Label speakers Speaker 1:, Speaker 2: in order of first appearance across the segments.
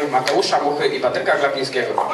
Speaker 1: panów Mateusza Muchy i Patryka Glapińskiego.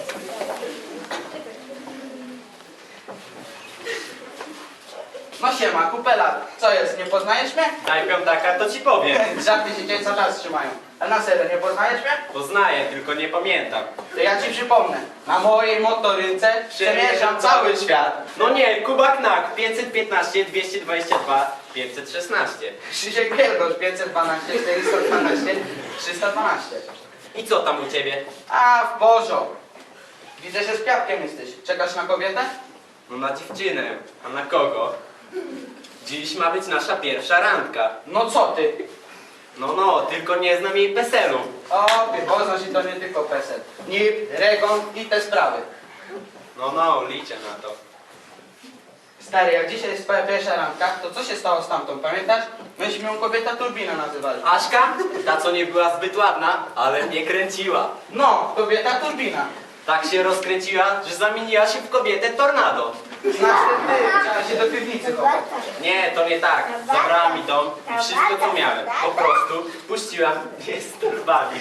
Speaker 2: No siema, kupę lat. Co jest, nie poznajesz mnie?
Speaker 3: Daj piątaka, to ci powiem.
Speaker 2: Żarty się cię cały czas trzymają. A na serio, nie poznajesz mnie?
Speaker 3: Poznaję, tylko nie pamiętam.
Speaker 2: To ja ci przypomnę. Na mojej motorynce przemierzam cały świat.
Speaker 3: No nie, Kuba Knak, 515, 222, 516.
Speaker 2: Krzysiek Wielgosz, 512, 412, 312.
Speaker 3: I co tam u ciebie?
Speaker 2: A, w porządku. Widzę, że z Piatkiem jesteś. Czekasz na kobietę?
Speaker 3: No na dziewczynę. A na kogo? Dziś ma być nasza pierwsza randka.
Speaker 2: No co ty?
Speaker 3: No, tylko nie znam jej PESEL-u.
Speaker 2: O, ty poznasz i to nie tylko PESEL. NIP, REGON i te sprawy.
Speaker 3: No, liczę na to.
Speaker 2: Stary, jak dzisiaj jest twoja pierwsza randka, to co się stało z tamtą, pamiętasz? Myśmy ją kobieta turbina nazywali.
Speaker 3: Aśka? Ta, co nie była zbyt ładna, ale mnie kręciła.
Speaker 2: No, kobieta turbina.
Speaker 3: Tak się rozkręciła, że zamieniła się w kobietę tornado.
Speaker 2: Znaczy ty, trzeba się do piwnicy chować.
Speaker 3: Nie, to nie tak. Zabrała mi dom i wszystko, co miałem. Po prostu puściła mnie z torbami.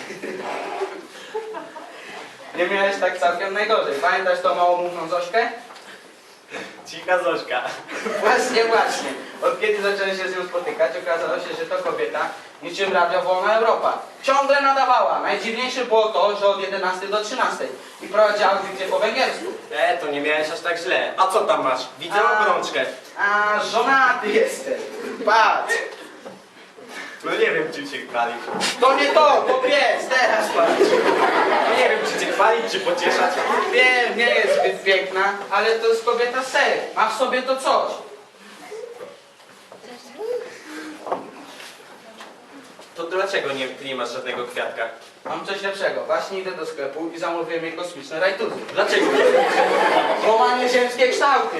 Speaker 2: Nie miałeś tak całkiem najgorzej. Pamiętasz tą małomówną Zośkę?
Speaker 3: Cicha Zośka.
Speaker 2: Właśnie. Od kiedy zacząłem się z nią spotykać, okazało się, że to kobieta niczym Radio Wolna Europa. Ciągle nadawała. Najdziwniejsze było to, że od 11 do 13 i prowadziła audycję po węgiersku.
Speaker 3: To nie miałeś aż tak źle. A co tam masz? Widzę obrączkę.
Speaker 2: A żonaty jestem. Patrz.
Speaker 3: No nie wiem, czym się chwalić.
Speaker 2: To nie to pies, teraz patrz.
Speaker 3: No nie wiem, czy cię chwalić, czy pocieszać.
Speaker 2: Wiem, nie jest zbyt piękna, ale to jest kobieta ser. Ma w sobie to coś.
Speaker 3: To dlaczego ty nie masz żadnego kwiatka?
Speaker 2: Mam coś lepszego. Właśnie idę do sklepu i zamówiłem jej kosmiczne rajtuzy.
Speaker 3: Dlaczego?
Speaker 2: Bo ma nieziemskie kształty.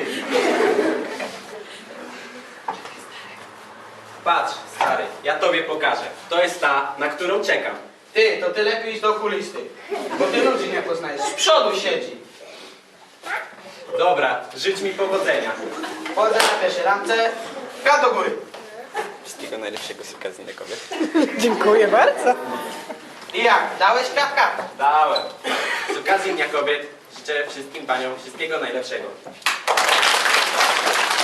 Speaker 3: Patrz, stary, ja tobie pokażę. To jest ta, na którą czekam.
Speaker 2: Ty, to ty lepiej idź do okulisty. Bo ty ludzi nie poznajesz. Z przodu siedzi.
Speaker 3: Dobra, życz mi powodzenia.
Speaker 2: Chodzę na pierwszej ramce. Kat do góry.
Speaker 3: Wszystkiego najlepszego z okazji na kobiet.
Speaker 4: Dziękuję bardzo.
Speaker 2: I jak? Dałeś kwiatka?
Speaker 3: Dałem. Z okazji Dnia Kobiet życzę wszystkim paniom wszystkiego najlepszego.